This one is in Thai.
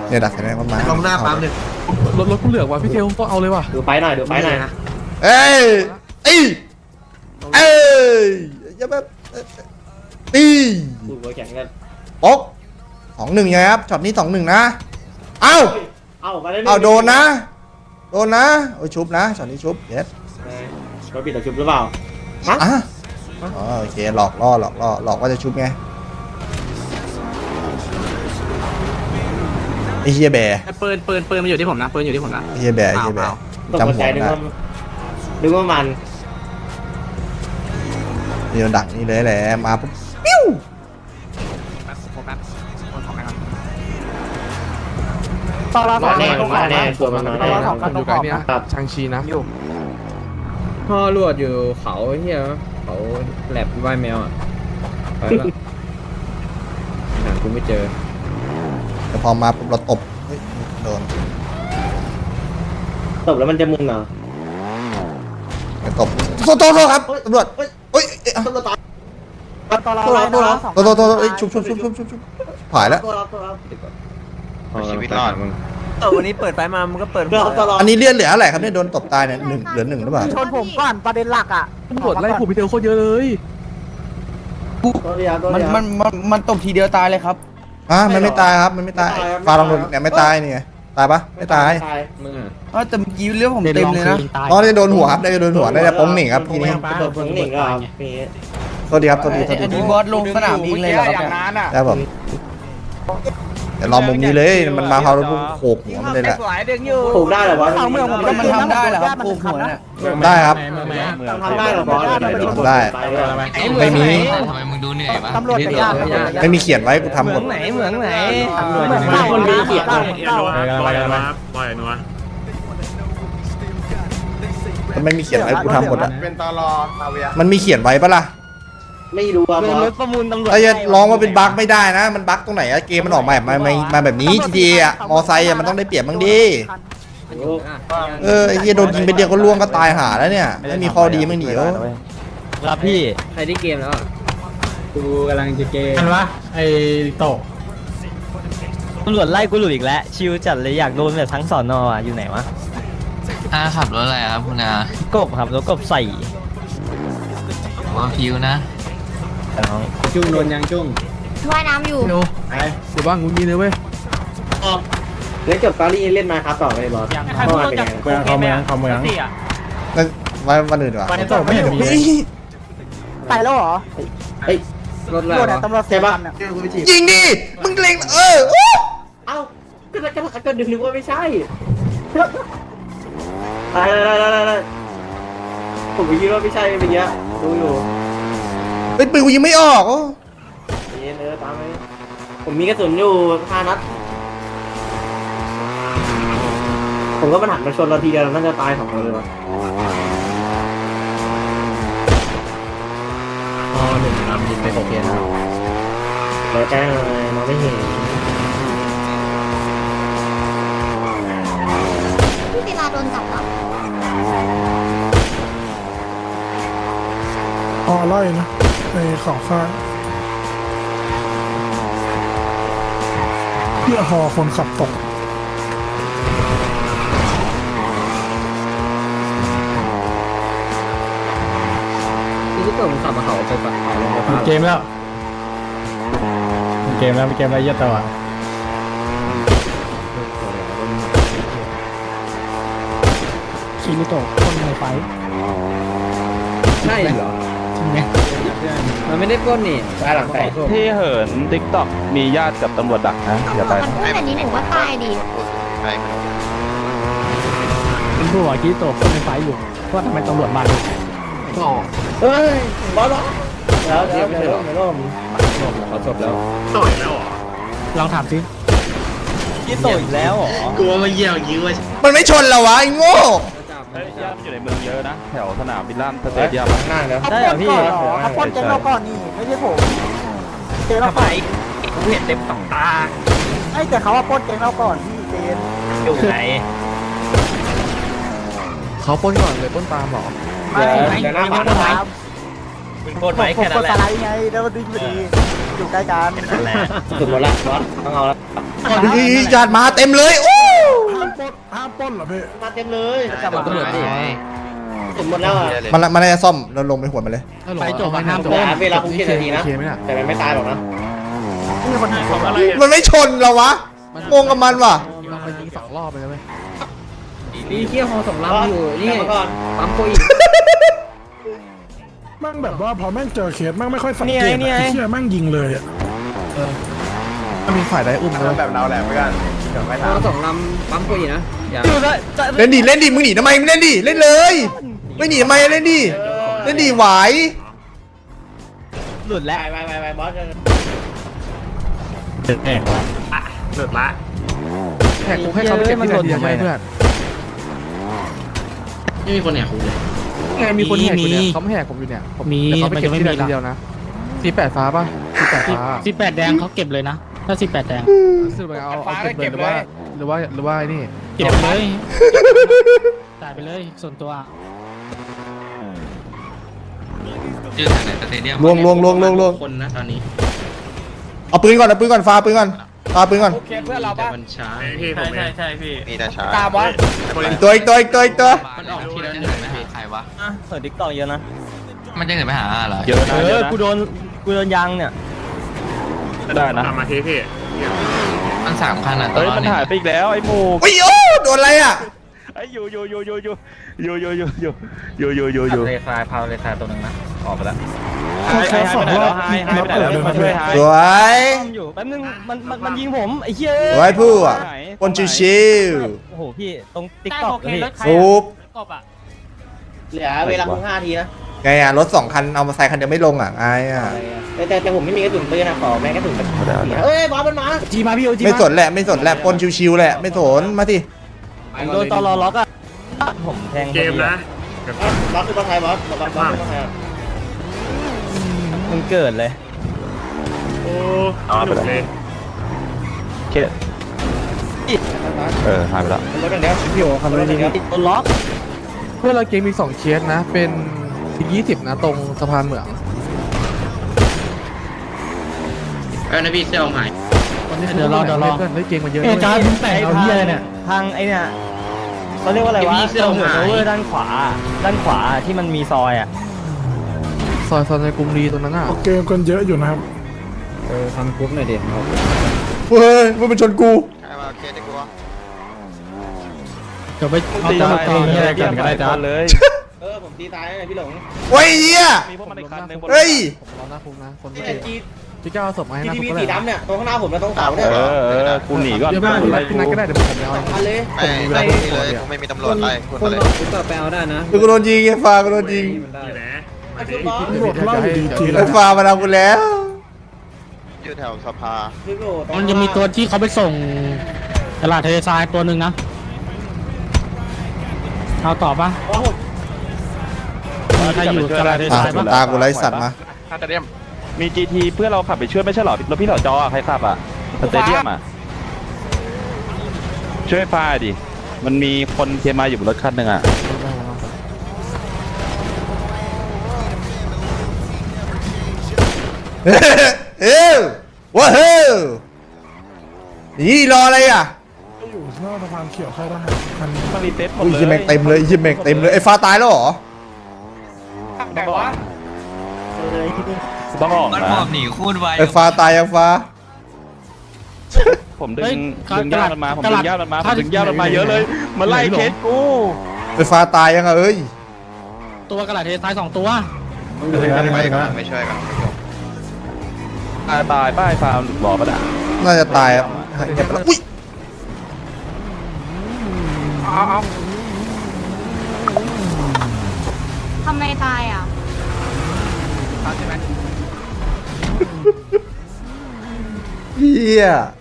เนี่ยดักแสดงมันมาลงหน้าปั๊มเลยรถกูเหลือกว่ะพี่เทลต้องเอาเลยว่ะดูไฟหน่อยนะเอ้ยอย่าแบบตีดูหัวแข็งกันโอ๊ก2-1ไงครับช็อตนี้2-1นะเอ้ามาได้เอาโดนนะโอ้ยชุบนะช็อตนี้ชุบเยสเราปิดต่อชุบหรือเปล่าอ่ะอ๋อโอเคหลอกล่อหลอกว่าจะชุบไงไอ้เฮียแบร์ปืนมันอยู่ที่ผมนะปืนอยู่ที่ผมนะไอ้เฮียแบร์จำหัวนึกได้ว่ามันนี่มันดักนี่เลยแหละมาปุ๊บปิ้วโฟกัสคนของนะครับมาแน่ตัวมันมาแน่ผมอยู่ไกลเนี่ยชังชีนะพ่อรวดอยู่เขาเฮียเขาแลบว่ายแมวอ่ะไปละหากูไม่เจอแต่พอมาปุ๊บเราตบเฮ้ยโดนตบแล้วมันจะมึนเหรอไม่ตบโทษครับตำรวจเฮ้ยตัวเราโทษชุบผายแล้วชีวิตรอดมึงวันนี้เปิดไฟมามันก็เปิดอันนี้เลื่อนเหลืออะไรครับเนี่ยโดนตบตายเนี่ยเหลือ 1หรือเปล่าชนผมก่อนประเด็นหลักอ่ะตำรวจไล่ผูพี่เทลโคตรเยอะเลยมันตบทีเดียวตายเลยครับมันไม่ตายครับมันไม่ตายฟาลองโดนเนี่ยไม่ตายนี่ตายปะไม่ตายมึงอ่ะแต่เมื่อกี้เรื่องผมเต็มเลยนะอ๋อได้โดนหัวครับได้โดนหัวได้โป้งหนิงครับทีนี้โดนผงหนิงก็มีโทษดีครับโทษดีอันนี้บอสลงสนามบินเลยเหรอครับได้ผมเดี๋ยวรอมุมนี้เลยมันมาเขาแล้วปุ๊บโขกหัวมันเลยแหละถูกได้เหรอวะเขาเมืองผมมันทำได้เหรอครับกูหัวเนี่ยได้ครับทำได้เหรอบอสได้ ไม่มีทำไมมึงดูเหนื่อยปะตำรวจจะยากไม่มีเขียนไว้กูทำหมดเมืองไหนคนมีเกียรติมันไม่มีเขียนไว้กูทำหมดอะเป็นตลอซาเวียมันมีเขียนไว้ปะล่ะไม่รู้อ่ะบอสประมูลตำรวจไอ้จะร้องว่าเป็นบั๊กไม่ได้นะมันบั๊กตรงไหนอะเกมมันออกมาแบบนี้ GTA อะมอไซค์อะมันต้องได้เปรียบบ้างดิไอ้เหี้ยโดนยิงไปเดียวก็ล่วงก็ตายหาแล้วเนี่ยไม่มีข้อดีมั้งเดี๋ยวครับพี่ใครได้เกมแล้วกูกำลังจะเกมกันวะไอ้โตตำรวจไล่กูหลุดอีกแล้วชิวจัดเลยอยากโดนแบบทั้งสอนอ่ะอยู่ไหนวะขับรถอะไรครับคุณอากบครับแล้วกบใส่ว่าพิวนะน้องจุ้งโดนยังจุ้งว่ายน้ำอยู่เทลเดี๋ยวบ้างกูมีเลยเว้ยเล่นจบตอรี่เล่นมาครับต่อเลยบอสเมื่อวานเป็นยังไงเขาเมืองนั่นวันอื่นดีกว่าโตไม่เห็นมีไปแล้วเหรอเฮ้ยรถตำรวจอะตำรวจใช่ปะยิงดิมึงเล็งเอ้าก็นึกว่าไม่ใช่ตายผมคิดว่าไม่ใช่เป็นเงี้ยดูอยู่เป็นปืนกูยิงไม่ออกตามไปผมมีกระสุนอยู่5 นัดผมก็มันหันมาชนเราทีเดียวน่าจะตาย2 คนเลยวะมีเป็นโอเคนะเราแจ้งเลยมองไม่เห็นพี่ศิลาโดนจับเหรอไล่นะไอ้ขอข้างเพื่อหอคนขับตกที่เกิดผมขับมาเขาไปฝั่งเขาลงไปเกมแล้วเกมแล้วเยอะตัวคิริโตะคนในไฟใช่เหรอมันไม่ได้ปล้นนี่ตายหลังแตกที่เหินติ๊กต็อกมีญาติกับตำรวจดักนะอย่าไปมันพูดแบบนี้หนูว่าตายดิเป็นผู้ว่าคิโตคนในไฟอยู่ว่าทำไมตำรวจมาเลยเฮ้ยบอสแล้วเดี๋ยวไม่ร่มเขาจบแล้วลองถามสิคิโตอีกแล้วเหรอมันไม่ชนเราวะไอ้โง่ญาติอยู่ในเมืองเยอะนะ แถวสนามบิลลั่นสเตเดียมหน้าแล้วได้เหรอพี่เขาปล้นเจ๊งเราก่อนนี่ไม่ใช่ผมเจ๊งเราก่อนกูเห็นเต็มสองตาไอ้แต่เขาว่าปล้นเจ๊งเราก่อนพี่เจนอยู่ไหนเขาปล้นก่อนเลยปล้นตามหรอไม่เดี๋ยวหน้าไม่บ้านปล้นตามมึงโคตรไหมแค่ผมนั้นกดแหละสไลด์ไงแล้วมันดึงพอดีอยู่ใกล้กันสุดหมดละบอสต้องเอาละญาติมาเต็มเลยโอ้ห้ามปล้นเหรอพี่มาเต็มเลยจับตำรวจดิสุดหมดแล้วอ่ะมันน่าจะซ่อมเราลงไปหัวมันเลยไปจบมาห้ามเวลาคุก7 นาทีนะแต่มันไม่ตายหรอกนะมันไม่ชนเราวะงงกับมันว่ะมันยิง2 รอบไปแล้วไหมนี่เที่ยวฮอสองลำอยู่นี่กลับมาก่อนปั๊มโคอีกมั่งแบบว่าพอแม่งเจอเคสแม่งไม่ค่อยสังเกตอะไอ้เชี่ยแม่งยิงเลยอ่ะมีฝ่ายใดอุ้มเลยแบบเราแหละไม่กันเดี๋ยวไม่ฮทัอน สองลำปั๊มโคอีนะอย่าเล่นดิมึงหนีทำไมมึงเล่นดิเล่นเลย ไม่หนีทำไมเล่นดิเล่นดิไหวหลุดแล้วไปบอสแหกว่ะหลุดละแขกกูให้เขาไปเก็บที่ไหนดีเพื่อนไม่มีคนแหกคุกเลยไงมีคนแหกอยู่เนี่ยเขาไม่แหกผมอยู่เนี่ยเขาไปเก็บที่ไหนทีเดียวนะ48ฟ้าป่ะ48ฟ้า 18แดงเขาเก็บเลยนะถ้า18แดงซื้อไปเอาเก็บเลยหรือว่าไอ้นี่เก็บไปเลยจ่ายไปเลยส่วนตัวชื่อแถวไหนสเตเดียมลวงคนนะตอนนี้เอาปืนก่อนฟาปืนก่อนเพื่อนเราป่ะมันช้าพี่ผมเองใช่พี่มีแต่ช้าตามบอสอีกตัวมันออกทีละหนึ่งนะใครวะเปิดดิกตอกเยอะนะมันจะเกิดไปหาเหรอเยอะนะเยอะนะกูโดนยางเนี่ยได้นะกลับมาทีพี่มัน3 คันอ่ะเฮ้ยมันหายไปอีกแล้วไอ้หมูโอ้ยโอ้โดนอะไรอ่ะไอ้อยู่เลคายพาวเลคายตัวนึงนะออกไปแล้วแค่2 รอบหายไปไหนแล้วมาช่วยหายสวยอยู่แป๊บนึงมันยิงผมไอ้เหี้ยสวยผู้อ่ะคนชิวโอ้โหพี่ตรงติ๊กตอกพี่ๆซุปเหลือเวลาคุก5 นาทีนะไงอ่ะรถ2 คันเอามาใส่คันเดียวไม่ลงอ่ะไงอ่ะแต่ผมไม่มีกระสุนปืนนะขอแม่กระสุนแบบเอ้ยบอสมันมาจีมาพี่โอจีไม่สนแหละปนชิวๆแหละไม่สนมาสิผมโดนตอรอล็อกอ่ะผมแทงเกมนะบอสคือบอสไทยบอสบอสคือบอสไทยมันเกิดเลยโอ้หลุดเลยเคหายไปแล้วรถอย่างเดียวพี่โอคันนี้โดนล็อกเพื่อนเราเกมมี2เคสนะเป็น20นะตรงสะพานเหมืองนะพี่เซลหายเดี๋ยวรอเพื่อนได้เกมมาเยอะเอ้จ้ามึงแต่งเอาเหี้ยเนี่ยทางไอ้เนี่ยเขาเรียกว่าอะไรวะตรงเหนือโอเวอร์ด้านขวาที่มันมีซอยอ่ะซอยในกรุงรีตรงนั้นอ่ะเกมกันเยอะอยู่นะครับทำกรุ๊ปหน่อยดิเฮ้ยมันเป็นชนกูใครมาเคสได้กูวะเดี๋ยวไปเอาตาตีเหี้ยกันก็ได้จ้าเลยผมตีตายเลยพี่หลงโอ้ยเหี้ยมีพวกมันอีกคันนึงเฮ้ยผมรอหน้าคุกนะคนที่จีที่ก้าวศพมาให้หน้าทีคุวีกสีดำเนี่ยตรงข้างหน้าผมและตรงเสาเนี่ยกูหนีก่อนพี่นัทก็ได้เดี๋ยวผมเอาอันเลยไม่นี่เลยกูไม่มีตำรวจไล่คุณคนเลยออกกรุ๊ปก็ไปเอาได้นะกูโดนยิงไอ้ฟ้ากูโดนยิงมันได้อยู่ไหนไอ้คุณบอสตำรวจไล่อยู่ดีๆไอ้ฟ้ามาเอากูแล้วอยู่แถวสภาคือโอ้มันจะมีตัวที่เขาไปส่งตลาดทะเลทรายตัวหนึ่งนะเอาต่อปะบอสมีใครอยู่ตลาดทะเลอ่ะทรายปะตากูไล่สัตว์มามี GT เพื่อเราขับไปช่วยไม่ใช่หรอรถพี่หล่อจอใครขับอ่ะสเตเดียมอ่ะช่วยพาดิมันมีคนเทียมาอยู่บนรถคันหนึ่งอ่ะเฮ้ยว้าวเฮ้ยนี่รออะไรอ่ะอยู่หน้าสะพานเขียวค่ายทหารคันนี้มันรีเซ็ตหมดอุ้ยเลยยิงแม่งเต็มเลยยิงแม่งเต็มเลยไอ้ฟ้าตายแล้วเหรอแต่ว่าต้องออกมันนะหมอบหนีคูดไวไอ้ฟ้าตายยังฟ้าผมดึงย่ามันมาผมดึงย่ามันมาเยอะเลยมาไล่เคสกูไอ้ฟ้าตายยังอ่ะเอ้ยตัวกระดาษทะเลทราย2 ตัวไม่ช่วยกันตายป้ายฟาร์มหลุดบ่อปะน่ะน่าจะตายอ่ะเงียบไปแล้วอุ้ยทำไมตายอ่ะเฮีย